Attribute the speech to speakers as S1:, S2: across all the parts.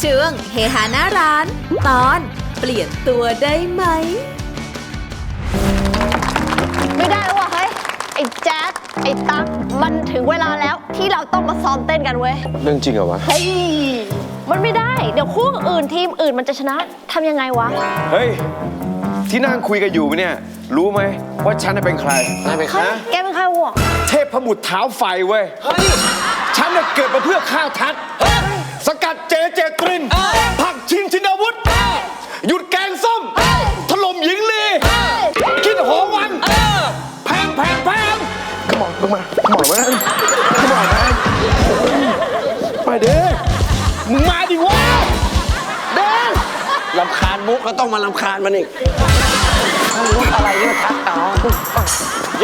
S1: ช่วงเฮฮาหน้าร้านตอนเปลี่ยนตัวได้ไหม
S2: ไม่ได้แล้วว่ะเฮ้ยไอ้แจ๊ดไอ้ตั๊กมันถึงเวลาแล้วที่เราต้องมาซ้อมเต้นกันเว้ย
S3: เรื่องจริงเหรอวะ
S2: เฮ้ยมันไม่ได้เดี๋ยวคู่อื่นทีมอื่นมันจะชนะทำยังไงวะ
S3: เฮ้ยที่นั่งคุยกันอยู่เนี่ยรู้ไหมว่าฉันเป็นใครนายเป็นใคร
S2: เฮ้ยแกเป็นใครวะ
S3: เทพบุตรเท้าไฟเว้ยเฮ้ยฉันน่ะเกิดมาเพื่อฆ่าทัดสกัดเจตรินผลักชิงชินวุฒิหยุดแกงส้มถล่มหญิงลีกินหอวันแพงขมอนลงมาขมอนมาไปเด้มึงมาดิวะเด้ลำคาญมุกก็ต้องมาลำคาญมันอีกมุกอะไรเนี่ยทักต่อโย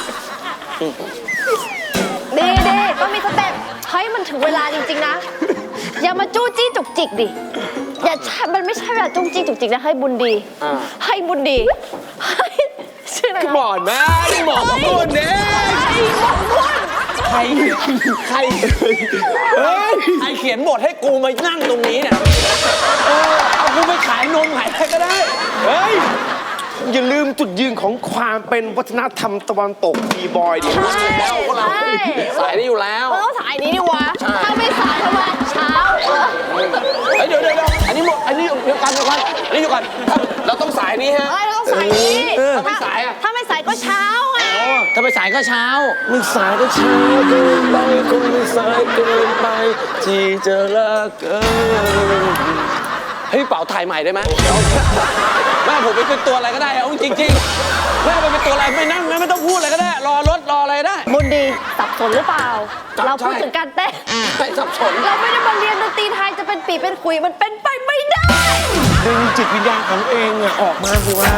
S2: ดีต้องมีสเต็ปเฮ้ยมันถึงเวลาจริงๆนะอย่ามาจู้จี้จุกจิกดิอย่ามันไม่ใช่เวลาจู้จี้จุกจิกนะให้บุญดีให้บุญดีให้ชื่ออะไรนะ
S3: หมอนแม่หมอนของคนเนี่ยใครเขียนบทให้กูมานั่งตรงนี้เนี่ยเอากูไปขายนมขายอะไรก็ได้เฮ้ยอย่าลืมจุดยืนของความเป็นวัฒนธรรมตะวันตกบีบอยดิแล้วพวกเราสายนี้อยู่แล้ว
S2: มันต้องสายนี้ดิวะถ้าไม่สายทำไมเช้า
S3: เดี๋ยวอันนี้หมดอันนี้เดี๋ยวกันอันนี้อยู่ก่อนเราต้องสายนี้ฮะ
S2: เราต้องสายนี้
S3: ถ้าไม่สายอะ
S2: ถ้าไม่สายก็เช้าไง
S3: ถ้าไม่สายก็เช้าไม่สายก็เช้าเกินไปคงไม่สายเกินไปที่จะรักกันเฮ้ยเป่าถ่ายใหม่ได้ไหมแม่ผมไปเป็นตัวอะไรก็ได้เอาจริงๆแม่ไปเป็นตัวอะไรไม่นั่งไม่ต้องพูดอะไรก็ได้รอรถรออะไรได้
S2: บุญดีสับสนหรือเปล่าเราพูดถึงการเต้น
S3: ไม่สับสน
S2: เราไม่ได้มาเรียนดนตรีไทยจะเป็นปีเป็นคุยมันเป็นไปไม่ได้
S3: ดึงจิตวิญญาณของเองอะออกมาสิวะ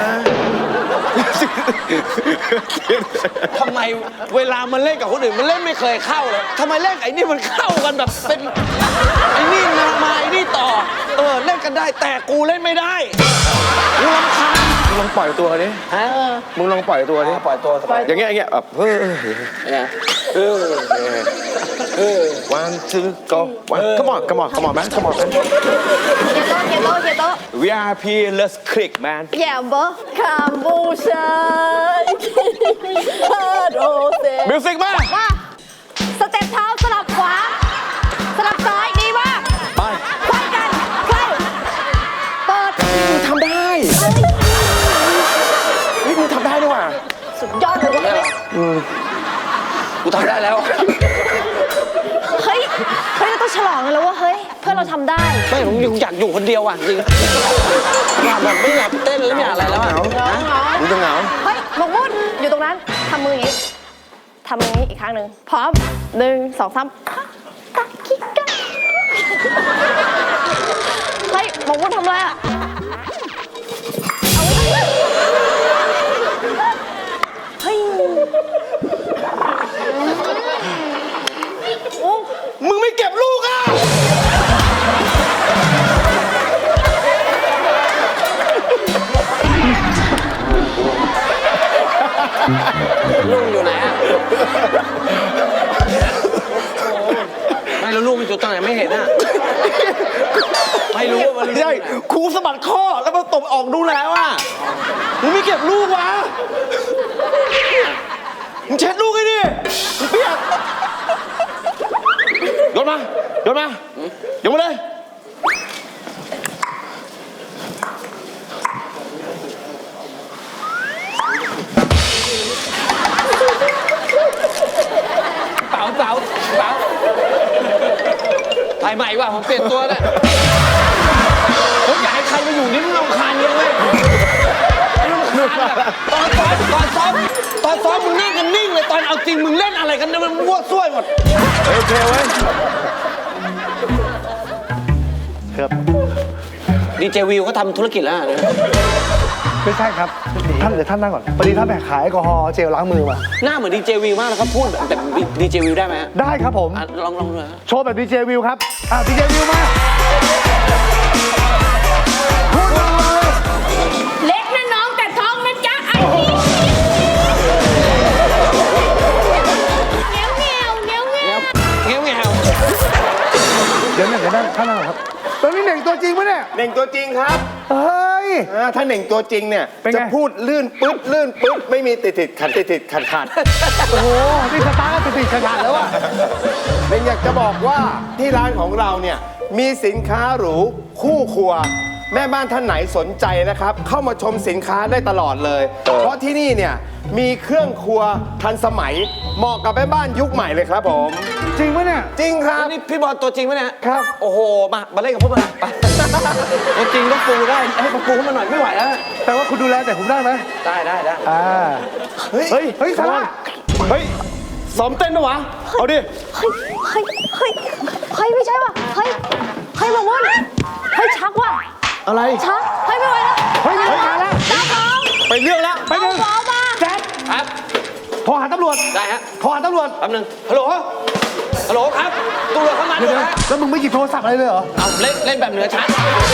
S3: ทำไมเวลามันเล่นกับคนอื่นมันเล่นไม่เคยเข้าเลยทำไมเล่นไอ้นี่มันเข้ากันแบบเป็นไอ้นี่มาไอ้นี่ต่อเล่นกันได้แต่กูเล่นไม่ได้กูรำคาญมึงลองปล่อยตัวดิฮะมึงลองปล่อยตัวดิปล่อยตัวอย่างเงี้ยแบบone two go one come on man come on man
S2: เฮียโต
S3: VIP let's click man
S2: อย่าบอกคำบูชาโดเซ
S3: มิวสิกมา
S2: สเต็ปเท้าสลับขวาสลับซ้ายดีมาก
S3: ไป
S2: ไขว้กันไขว้เปิด
S3: มึงทำได้เฮ้ยมึงทำได้ด้วยว่ะ
S2: สุดยอดเลยว่ะ
S3: กูทำได้แล้ว
S2: เฮ้ยเราต้องฉลองกันแล้วว่าเฮ้ยเพื่อนเราทำได้
S3: ไม่ผมอยากอยู่คนเดียวอ่ะจริงแบบไม่อยากเต้นแล้วไม่อยากอะไรแล้วอ่ะมึงจะเหงา
S2: เฮ้ยหมกมุ่นอยู่ตรงนั้นทำมืออย่างนี้ทำมืออย่างนี้อีกครั้งหนึ่งพร้อม1 2 3ตักคิกกันเฮ้ยหมกมุ่นทำอะไรอ่ะเฮ้ย
S3: มึงไม่เก็บลูกอ่ะลูกอยู่ไหนอ่ะไม่แล้วลูกมันอยู่ตรงไหนไม่เห็นอ่ะไม่รู้ว่ามันใช่ครูสะบัดข้อแล้วมันตบออกดูแล้วอ่ะมึงไม่เก็บลูกวะมึงเช็ดลูกไอ้ดิมึงเปียกโยนมาโยนมาเลยเปล่าถ่ายใหม่ว่ะผมเปลี่ยนตัวแล้วผมอยากให้ใครมาอยู่นี่มึงรำคาญเยอะเลยตอนซ้อมมึงนั่งกันนิ่งเลยตอนเอาจริงมึงเล่นอะไรกันเนี่ยมันมั่วซั่วหมดโอเคเว้ยครับดีเจวิวเขาทำธุรกิจแล้ว
S4: ไม่ใช่ครับท่านเดี๋ยวท่านนั่งก่อนพอดีท่านแบกขายแอลกอฮอล์เจลล้างมือมา
S3: หน้าเหมือนดีเจวิวมากแล้วเขาพูดแบบดีเจวิวได้ไหม
S4: ได้ครับผม
S3: ลองดู
S4: โชว์แบบดีเจวิวครับดีเจวิวมาพูดเลย
S2: เล็กนะน้องแต่ท้องนะจ๊ะไอ้นี่เงี้ยว
S4: เดี๋ยวท่านนั่งครับตอนนี้ตัวจริงปะเนี่ย
S5: เหน่งตัวจริงครับ
S4: เฮ้ย
S5: ถ้าเหน่งตัวจริงเนี่ย
S4: เป็นไง
S5: จะพูดลื่นปึ๊ดไม่มีติดขัด
S4: โอ้โหนี่สตาร์ทติดขาดแล้วอะ
S5: เหน่งอยากจะบอกว่าที่ร้านของเราเนี่ยมีสินค้าหรูคู่ครัว แม่บ้านท่านไหนสนใจนะครับ เข้ามาชมสินค้าได้ตลอดเลย เพราะที่นี่เนี่ยมีเครื่องครัวทันสมัยเหมาะกับแม่บ้านยุคใหม่เลยครับผม
S4: จริงปะเนี่ย
S5: จริงครับ
S3: นี่พี่บอลตัวจริงไหมเนี่ย
S4: ครับ
S3: โอ้โห มาเล่นกับพวกมันไปตัวจริงต้องปูได้ ให้ปูขึ้นมาหน่อยไม่ไหวแล้ว
S4: แต่ว่าคุณดูแลแต่ผมได้ไหม
S3: ได้
S4: อ่า
S5: เฮ้ย
S4: เฮ้ยซาร่า
S3: เฮ้ยซ้อมเต้นปะวะ เอาดิ
S2: เฮ้ยไม่ใช่ว่ะเฮ้ยมาม่อนเฮ้ยชักว่ะ
S4: อะไร
S2: ชักเฮ้ยไม่ไหวแล้ว
S4: เฮ้ยมาแล้ว
S2: ตาฟอง
S3: ไปเรื่องแล้ว
S4: ไปหนึ่ง
S2: ฟองมา
S4: แจ๊ด
S3: ครับ
S4: โทรหาตำรวจ
S3: ได้ฮะ
S4: โทรหาตำรวจ
S3: แป๊บนึงฮัลโหล ฮัลโหลครับตำรวจเข้ามา
S4: เดี๋
S3: ด้
S4: ยว
S3: วย
S4: นะ
S3: ฮะ
S4: แล้วมึงไม่หยิบโทรศัพท์อะไรเลยเหรอ
S3: เอาเล่นแบบเหนือชั้น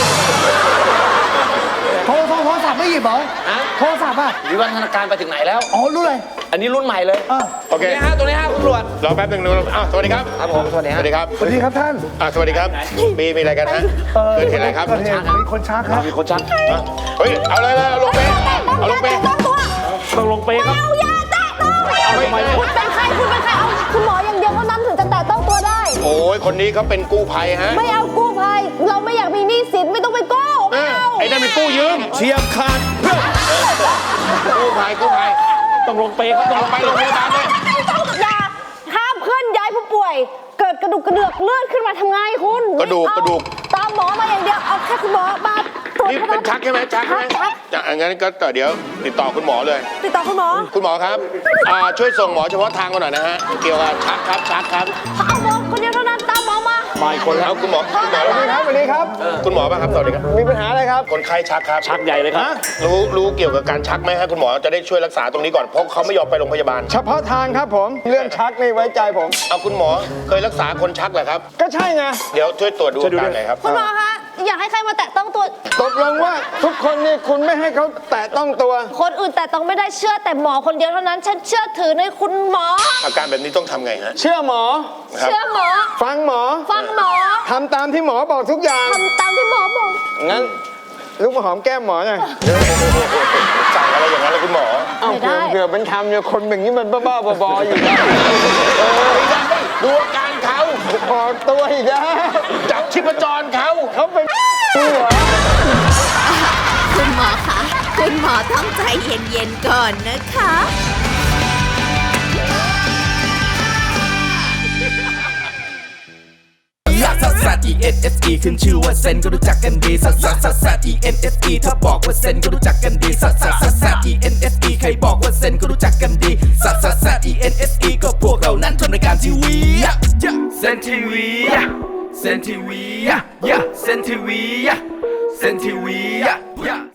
S4: โทรศัพท์ไม่หยิบเหรอ
S3: ฮะ
S4: โทรศัพท์อ่ะ
S3: วิวัฒนาการไปถึงไหนแล้ว
S4: อ๋อ รู้เลย
S3: อันนี้รุ่นใหม่เลย
S4: อ่ะ
S5: โอเค
S3: ตัวนี้ฮะคุณตำรวจ
S5: รอแป๊บหนึ่งสวัสดีครับ
S3: ครับผมสวัสดี
S5: ส
S3: ฮะ
S5: วัสดีครับ
S4: สวัสดีครับท่าน
S5: สวัสดีครับ มีอะไรกันฮะเกิดเหตุอะไรครับ
S4: เกิดเหตุมีคนชักครับ
S3: มีคนชัก
S5: เฮ้ย เอาเลยเอาลงไปเอาลงไป
S2: ต้องตัว
S3: ต้องลงเปครับ
S2: เอาอย่าแตะต้อง
S5: ทำไม
S2: คุณเป็นใครเอาคุณหมออย่างเดียวเท่านั้นถึงจะแตะต้องตัวได้
S5: โอ้ยคนนี้เขาเป็นกู้ภัยฮะ
S2: ไม่เอากู้ภัยเราไม่อยากมีหนี้สินไม่ต้องไปกู้ไม่เอา
S5: ไอ้นั่นเป็นกู้ยืมเฉียบขาดเพื่อนกู้ภัย
S3: ต้องลงเปครับต้องลง
S5: ไปโรงพยาบาลเลย
S2: อย่าห้ามเคลื่อนย้ายผู้ป่วย เกิดกระดูกกระเดือกเลื่อนขึ้นมาทำไงคุณ
S5: กระดูก
S2: ตามหมอมาอย่างเดียวเอาแค่คุณหมอมาตรวจ
S5: นี่เป็นชักใช่ไหมชักใช่ไหม
S2: ชัก
S5: จะงั้นก็เดี๋ยวติดต่อคุณหมอเลย
S2: ติดต่อคุณหมอ
S5: คุณหมอครับช่วยส่งหมอเฉพาะทางมาหน่อยนะฮะ เกี่ยวกับชักครับ
S2: เอาหมอคนเดียวเท่านั้นตามหมอมา
S5: มาอีกคนแล้วคุณหมอ
S2: สวัสดีครับ
S5: สวัสดีครับ คุณหมอป่ะครับ สวัสดีครับ มีปัญหาอะไรครับ คนไข้ชักครับ
S3: ชักใหญ่เลยครับ
S5: รู้เกี่ยวกับการชักไหมฮะคุณหมอจะได้ช่วยรักษาตรงนี้ก่อน เพราะเขาไม่ยอมไปโรงพยาบาล
S6: เฉพาะทางครับผม เรื่องชักนี่ไว้ใจผม
S5: เอาคุณหมอเคยรักษาคนชักเหรอครับ
S6: ก็ใช่ไง
S5: เดี๋ยวช่วยตรวจดูอาการหน่อยครับ
S2: คุณหมอคะอยากให้ใครมาแตะต้องตัว
S6: ตกลงว่าทุกคนนี่คุณไม่ให้เขาแตะต้องตัว
S2: คนอื่นแต่ต้องไม่ได้เชื่อแต่หมอคนเดียวเท่านั้นฉันเชื่อถือในคุณหมอ
S5: อาการแบบนี้ต้องทำไงฮะ
S6: เชื่อหมอ
S5: ครับ
S2: เชื่อหมอ
S6: ฟังหมอ
S2: ฟังหมอ
S6: ทำตามที่หมอบอกทุกอย่าง
S2: ทำตามที่หมอบอก
S6: งั้นลูกมาหอมแก้มหมอหน่อย
S5: สั่งอะไรอย่างนั้นเลยคุณหมอ
S6: เอ้าเผื่อเป็นคำเนี่ยคนอย่างนี้มันบ้าๆบอๆอยู่นะ
S5: ไม่ได้ดูอาการเขา
S6: ออกตัวอีกแล้ว
S5: จับชีพจรเขา
S6: เขาเป็นตัว
S1: คุณหมอคะคุณหมอต้องใจเย็นๆก่อนนะคะ
S7: ลักซัสซัส E N S E ขึ้นชื่อว่าเซนก็รู้จักกันดีซัสซัสซัสซัส E N S E ถ้าบอกว่าเซนก็รู้จักกันดีซัสซัสซัสซัส E N S E ใครบอกว่าเซนก็รู้จักกันดีซัสซัสซัส E N S E ก็พวกเรานั้นทำรายการทีวีเซนทีวีเซนทีวีเซนทีวีเซนทีวี